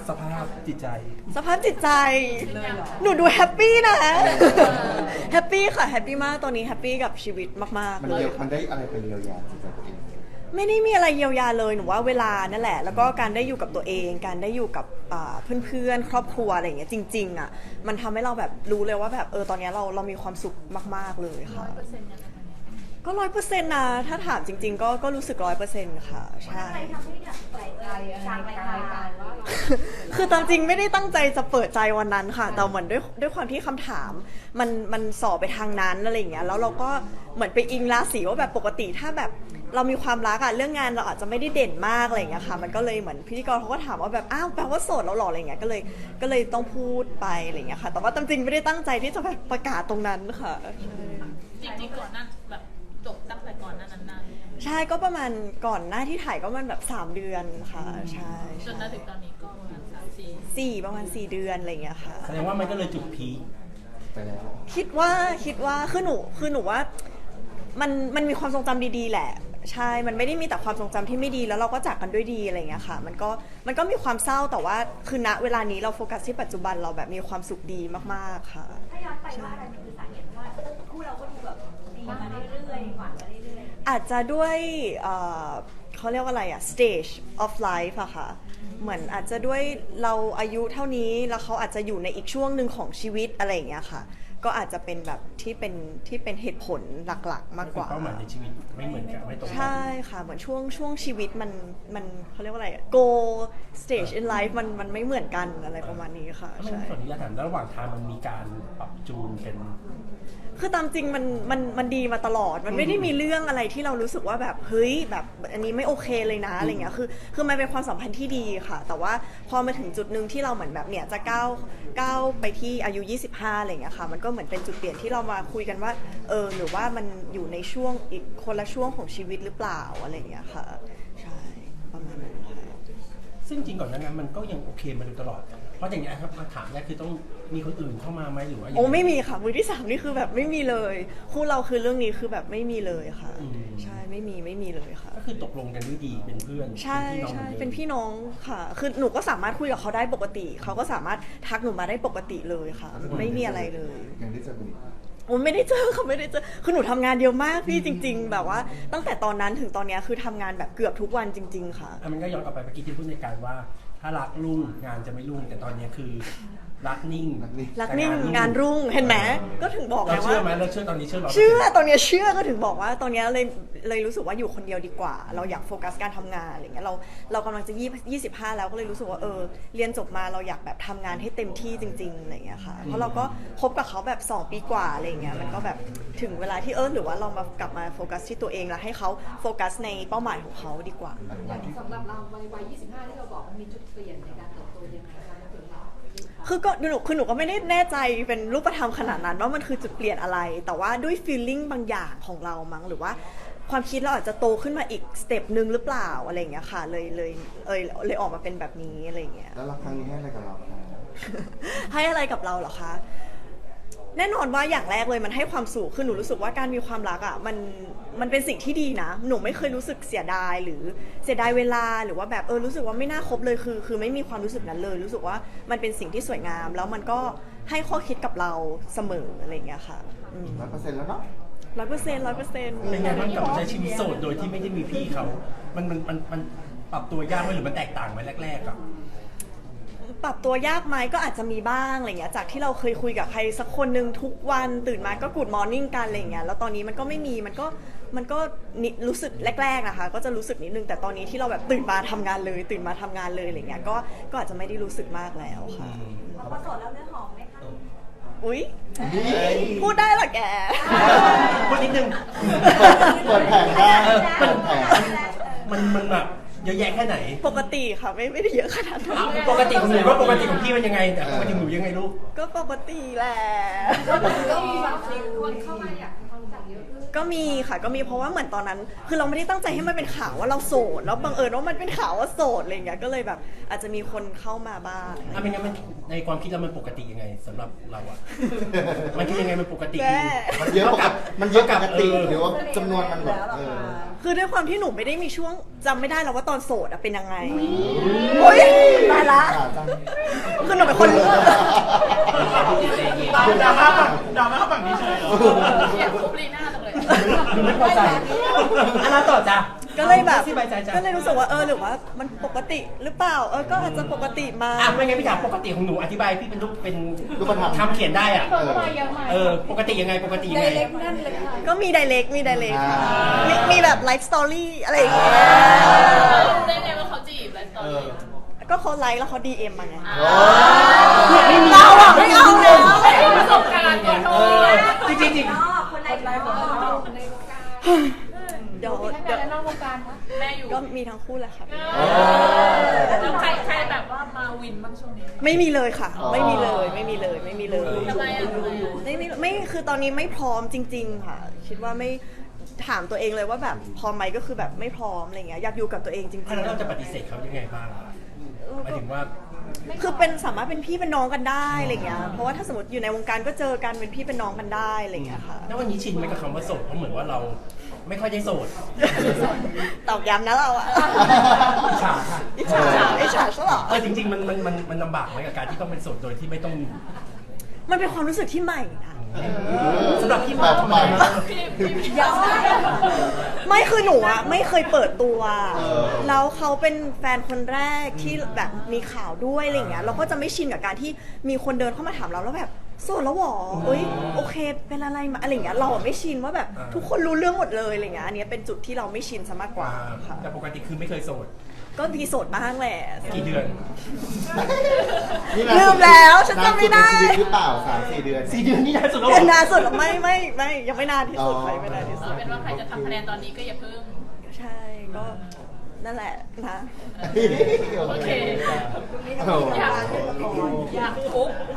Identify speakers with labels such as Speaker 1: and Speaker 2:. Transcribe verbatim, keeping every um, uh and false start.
Speaker 1: สภาพจิตใจ
Speaker 2: สภาพจิตใจหนูดูแฮปปี้นะแฮปปี้ค่ะแฮปปี้มากตอนนี้แฮปปี้กับชีวิตมากๆ
Speaker 3: มัน
Speaker 2: เลย
Speaker 3: เยียวมันได้อะไรไปเยียวยาจิตใจตัวเอง
Speaker 2: ไม่ได้มีอะไรเยียวยาเลยหนูว่าเวลานั่นแหละแล้วก็การได้อยู่กับตัวเองการได้อยู่กับเพื่อนๆครอบครัวอะไรอย่างเงี้ยจริงๆอ่ะมันทำให้เราแบบรู้เลยว่าแบบเออตอนนี้เราเรามีความสุขมากๆเลยค่ะก็ร้อยเปอร์เซ็นต์นะถ้าถามจริงๆก็ก็รู้สึกร้อยเปอร์เซ็นต์ค่ะใช่
Speaker 4: อะไรทำให้อยากเปิดใจกลางรายการว่า
Speaker 2: คือตามจริงไม่ได้ตั้งใจจะเปิดใจวันนั้นค่ะแต่เหมือนด้วยด้วยความที่คำถามมันมันสอบไปทางนั้นอะไรอย่างเงี้ยแล้วเราก็เหมือนไปอิงราศีว่าแบบปกติถ้าแบบเรามีความรักอะเรื่องงานเราอาจจะไม่ได้เด่นมากอะไรอย่างเงี้ยค่ะมันก็เลยเหมือนพิธีกรเขาก็ถามว่าแบบอ้าวแปลว่าโสดแล้วหรออะไรเงี้ยก็เลยก็เลยต้องพูดไปอะไรเงี้ยค่ะแต่ว่าตามจริงไม่ได้ตั้งใจที่จะแบบประกาศตรงนั้นค่ะ
Speaker 5: จริงๆก่อนนั้นแบบจบตั้งแต่ก่อนนั้นนาน
Speaker 2: ใช่ก็ประมาณก่อนหน้าที่ถ่ายก็มันแบบสามเดือนค่ะใช่
Speaker 5: จนถึงตอนนี้ก็ประมาณสามสี่
Speaker 2: สี่ประมาณสี่เดือนอะไรเงี้ยค่ะ
Speaker 1: แสดงว่ามันก็เลยจุดพีค
Speaker 3: ไปแล้ว
Speaker 2: คิดว่าคิดว่าคือหนูคือหนูว่ามันมันมีความทรงจำดีๆแหละใช่มันไม่ได้มีแต่ความทรงจำที่ไม่ดีแล้วเราก็จากกันด้วยดีอะไรเงี้ยค่ะมันก็มันก็มีความเศร้าแต่ว่าคือณเวลานี้เราโฟกัสที่ปัจจุบันเราแบบมีความสุขดีมากๆค่ะ
Speaker 4: ถ้าย้อนไปว่าอะไรคือสาเหตุว่าคู่เราก็ดูแบบดีมาเรื่อยๆหวานมาเรื่อย
Speaker 2: ๆอาจจะด้วยเขาเรียกว่าอะไรอะ stage of life อะค่ะเหมือนอาจจะด้วยเราอายุเท่านี้แล้วเขาอาจจะอยู่ในอีกช่วงหนึ่งของชีวิตอะไรอย่างเงี้ยค่ะก็อาจจะเป็นแบบที่เป็นที่เป็นเหตุผลหลักๆมากกว่า
Speaker 1: เป้าหมายในชีวิตไม่เหมือนกันไม่ตรงกัน
Speaker 2: ใช่ค่ะเหมือนช่วงช่วงชีวิตมันมันเขาเรียกว่าอะไร goal stage in life มันมันไม่เหมือนกันอะไรประมาณนี้ค่ะ
Speaker 1: ใช่ส่วนนี้ถามระหว่างทางมันมีการปรับจูนกัน
Speaker 2: คือตามจริงมันมันมันดีมาตลอดมันไม่ได้มีเรื่องอะไรที่เรารู้สึกว่าแบบเฮ้ยแบบอันนี้ไม่โอเคเลยนะอะไรเงี้ยคือคือมันเป็นความสัมพันธ์ที่ดีค่ะแต่ว่าพอมาถึงจุดหนึ่งที่เราเหมือนแบบเนี่ยจะก้าวก้าวไปที่อายุยี่สิบห้าอะไรเงี้ยค่ะมันก็เหมือนเป็นจุดเปลี่ยนที่เรามาคุยกันว่าเออหรือว่ามันอยู่ในช่วงอีกคนละช่วงของชีวิตหรือเปล่าอะไรเงี้ยค่ะใช่ประมาณนั้นค่ะ
Speaker 1: ซึ่งจริงก่อนหน้านั้นมันก็ยังโอเคมาโดยตลอดเพราะอย่างนี้ครับมาถามแรกคือต้องมีคนอื่นเข้ามาไหมหรือว่า
Speaker 2: โอ้ไม่มีค่ะมือที่สามนี่คือแบบไม่มีเลยคู่เราคือเรื่องนี้คือแบบไม่มีเลยค่ะใช่ไม่มีไม่มีเลยค่ะ
Speaker 1: ก็คือตกลงกันด้วยดีเป็นเพื่อน
Speaker 2: ใช่ใช่เป็นพี่น้องค่ะคือหนูก็สามารถคุยกับเขาได้ปกติเขาก็สามารถทักหนูมาได้ปกติเลยค่ะไม่มีอะไรเลย
Speaker 3: ยังได้เจอกันอีก
Speaker 2: โอ้ไม่ได้เจอเขาไม่ได้เจอคือหนูทำงานเยอะมากพี่จริงๆแบบว่าตั้งแต่ตอนนั้นถึงตอนนี้คือทำงานแบบเกือบทุกวันจริงๆค่ะ
Speaker 1: มันก็ย้อนกลับไปเมื่อกี้ที่พูดในการว่าถ้ารักรุ่งงานจะไม่รุ่งแต่ตอนนี้คือรักนิ่ง
Speaker 2: รักนิ่งงานรุ่งเห็นไหมก็ถึงบอกไงว่า
Speaker 1: เราเชื่อไหมเราเชื่อตอนนี้เชื่อเรา
Speaker 2: เชื่อตอนนี้เชื่อก็ถึงบอกว่าตอนนี้เลยเลยรู้สึกว่าอยู่คนเดียวดีกว่าเราอยากโฟกัสการทำงานอะไรเงี้ยเราเรากำลังจะยี่ยี่สิบห้าแล้วก็เลยรู้สึกว่าเออเรียนจบมาเราอยากแบบทำงานให้เต็มที่จริงๆอะไรเงี้ยค่ะเพราะเราก็คบกับเขาแบบสองปีกว่าอะไรเงี้ยมันก็แบบถึงเวลาที่เออหรือว่าเรามากลับมาโฟกัสที่ตัวเองแล้วให้เขาโฟกัสในเป้าหมายของเขาดีกว่า
Speaker 6: สำหรับเราในวัยยี่สิบห้าที่เราบอกมันมีจุดเปลี่ยนในการเติบโตยังไงคะถึงเรา
Speaker 2: คือก็หนูคือหนูก็ไม่ได้แน่ใจเป็นรูปธรรมขนาดนั้นว่ามันคือจุดเปลี่ยนอะไรแต่ว่าด้วย feeling บางอย่างของเรามั้งหรือว่าความคิดเราอาจจะโตขึ้นมาอีกสเต็ปนึงหรือเปล่าอะไรอย่างเงี้ยค่ะเลยเลยเออเลยออกมาเป็นแบบนี้อะไรอย่างเงี้ย
Speaker 3: แล้วรักครั้งนี้ให้อะไรกับเราคะ
Speaker 2: ให้อะไรกับเราเหรอคะแน่นอนว่าอย่างแรกเลยมันให้ความสุขคือหนูรู้สึกว่าการมีความรักอ่ะมันมันเป็นสิ่งที่ดีนะหนูไม่เคยรู้สึกเสียดายหรือเสียดายเวลาหรือว่าแบบเออรู้สึกว่าไม่น่าคบเลยคือคือไม่มีความรู้สึกนั้นเลยรู้สึกว่ามันเป็นสิ่งที่สวยงามแล้วมันก็ให้ข้อคิดกับเราเสมออะไรอย่างเงี้ยค่ะ
Speaker 3: ร้อยเปอร์เซ็นต์แล้วเนาะ
Speaker 2: ร้อยเปอร์เซ็นต์ร้อยเปอร์เซ็นต์
Speaker 1: เป็นไงบ้างกับใช้ชีวิตโสดโดยที่ไม่ได้มีพี่เขามันมันมันมันปรับตัวยากไหมหรือมันแตกต่างไหมแรกๆอ่ะ
Speaker 2: ปรับตัวยากไหมก็อาจจะมีบ้างอะไรเงี้ยจากที่เราเคยคุยกับใครสักคนนึงทุกวันตื่นมาก็กูดมอร์นิ่งกันอะไรเงี้ยแล้วตอนนี้มันก็ไม่มีมันก็มันก็รู้สึกแรกๆนะคะก็จะรู้สึกนิดนึงแต่ตอนนี้ที่เราแบบตื่นมาทำงานเลยตื่นมาทำงานเลยอะไรเงี้ยก็ก็อาจจะไม่ได้รู้สึกมากแล้วค่ะ
Speaker 4: พอโสดแล้วเนื้อหอมไหมคะ
Speaker 2: อุ๊ยพูดได้เหรอแก
Speaker 1: พูดนิดนึง
Speaker 3: เปิดแผงได้เปิดแผง
Speaker 1: มันมันแบบเยอะแยะแค่ไหน
Speaker 2: ปกติค่ะไม่ไม่ได้เยอะขนาดนั้น
Speaker 1: ปกติของหนูว่าปกติของพี่มันยังไงแต่ปกติหนูยังไงลูก
Speaker 2: ก็ปกติแหละ
Speaker 6: ก็มีบางคนเข้ามาอยากทำความรู้จักเยอะขึ้น
Speaker 2: ก็มีค่ะก็มีเพราะว่าเหมือนตอนนั้น คือเราไม่ได้ตั้งใจให้มันเป็นข่าวว่าเราโสดแล้วบังเอิญว่ามันเป็นข่าวว่าโสดอะไรอย่างเงี้ยก็เลยแบบอาจจะมีคนเข้ามาบ้าง
Speaker 1: ถ้าไม่งั้นมันในความคิดเรามันปกติยังไงสำหรับเราอะมันคือยังไงมันปกติ
Speaker 2: แม่
Speaker 3: มันเยอะปกติมันเยอะปกติหรือว่าจำนวนมันแบบเออ
Speaker 2: คือด้วยความที่หนูไม่ได้มีช่วงจำไม่ได้แล้วว่าตอนโสดอะเป็นยังไงโอ๊ยตายละ
Speaker 3: อ่าจัง
Speaker 2: คือหนูเป็นคน
Speaker 1: ดราม่าฝั่งดราม่าฝั่งนี้เฉยเหรอ
Speaker 5: อยากทุบลีน่าจังเลย
Speaker 1: ดูไม่พอใจอันนั้นต่อจ้ะ
Speaker 2: ก็เลยแบบ
Speaker 1: สบายใจจ้ะ
Speaker 2: ก็เลยรู้สึกว่าเออหรือว่ามันปกติหรือเปล่าเออก็อาจจะปกติมา
Speaker 1: อ่ะไม่งั้นพี่ถามปกติของหนูอธิบายพี่เป็นรูปเป็น
Speaker 3: รูปธรรม
Speaker 1: ทำเขียนได้อ่ะ
Speaker 3: เออ
Speaker 1: เออปกติยังไงปกติยังไง
Speaker 2: ก็มีไดเ e กมีไดเ e ก
Speaker 3: อ่า
Speaker 2: มีมีแบบไลฟ์สตอรี่อะไรอย่างเงี้ย
Speaker 5: รู้ได้ไงว่าเขาจีบไลฟ์สไตล์
Speaker 2: ก็เขาไลค์แล้วเขาดีเอ็มมาไง
Speaker 3: โอ้
Speaker 2: เราอะไม่เอาแล้ว
Speaker 5: ไม่มีประสบการณ์ตัวโต
Speaker 1: จริงจริงจริง
Speaker 4: นอกคนในคนนอก
Speaker 6: ในวงการ
Speaker 2: เดี๋ยว
Speaker 6: มีทั้ง
Speaker 2: เดี๋ยว
Speaker 6: ในและนอกวงการคะ
Speaker 5: แม่อยู่
Speaker 2: ก็มีทั้งคู่แหละค่ะ
Speaker 5: แล้วใครใครแบบว่ามาวินบ้างช่วงนี้
Speaker 2: ไม่มีเลยค่ะ ไม่มีเลยไม่มีเลยไม่มีเลย
Speaker 5: ทำไมอ่ะทำไมอ่ะ
Speaker 2: ไม่ไม่ไม่คือตอนนี้ไม่พร้อมจริง ๆ ค่ะ คิดว่าไม่ถามตัวเองเลยว่าแบบพร้อมไหมก็คือแบบไม่พร้อมอะไรเงี้ยอยากอยู่กับตัวเองจริง
Speaker 1: อ่ะแล้วเราจะปฏิเสธเขายังไงบ้างอะหมายถึงว่า
Speaker 2: ๆ คือเป็นสามารถเป็นพี่เป็นน้องกันได้อะไรเงี้ยเพราะว่าถ้าสมมติอยู่ในวงการก็เจอกันเป็นพี่เป็นน้องกันได้อะไรเงี้ยค่ะ
Speaker 1: แล้ววันนี้ชินไหมกับคำว่าโสดเพราะเหมือนว่าเราไม่ค่อยได้โสด
Speaker 2: ตอกย้ำนะเราอะ
Speaker 1: อิจฉาค่ะ
Speaker 2: อิจฉาอิจฉาซะเหรอ
Speaker 1: เออจริงๆมันมันมันมันลำบากไหมกับการที่ต้องเป็นโสดโดยที่ไม่ต้อง
Speaker 2: มันเป็นความรู้สึกที่ใหม่นะ
Speaker 1: สำหรับพี่
Speaker 3: แบ
Speaker 1: มา
Speaker 3: บ
Speaker 1: ทำ
Speaker 3: ให
Speaker 1: ไม
Speaker 3: ม่
Speaker 2: ไม่คือหนูอะไม่เคยเปิดตัว
Speaker 3: เออ
Speaker 2: แล้วเขาเป็นแฟนคนแรกที่แบบมีข่าวด้วยอะไรเงี้ยเราก็จะไม่ชินกับการที่มีคนเดินเข้ามาถามเราแล้วแบบโสดแล้วหรอเอ้ยโอเคเป็นอะไรมาอะไรเงี้ยเราอะไม่ชินว่าแบบทุกคนรู้เรื่องหมดเลยอะไรเงี้ยอันเนี้ยเป็นจุดที่เราไม่ชินซะมากกว่าค่ะ
Speaker 1: แต่ปกติคือไม่เคยโสด
Speaker 2: ก็มีโสดบ้างแหละ
Speaker 1: กี่เดือน
Speaker 3: นี่นาน
Speaker 2: ลื
Speaker 3: สุ
Speaker 2: มแล้วฉันจำไม่ได้
Speaker 3: นานสุในชีวิตหรือเปล่าสามสี่เดือน
Speaker 1: สี่เดือนนี่นานสุดแล้วเหร
Speaker 2: เป็น
Speaker 1: อ
Speaker 2: นานสุดหรอไม่ไม่ไม่ยังไม่นานที่สุด
Speaker 3: อ๋อ
Speaker 2: ใครไม่นานที่สุด
Speaker 5: เป็นว่าใครจะทำคะแนนตอนนี้ก็อย่าเพิ่ง
Speaker 2: ใช่ก็นั่นแหละนะ
Speaker 5: โอเค
Speaker 3: โอ้โห
Speaker 5: อยากอยากทุบ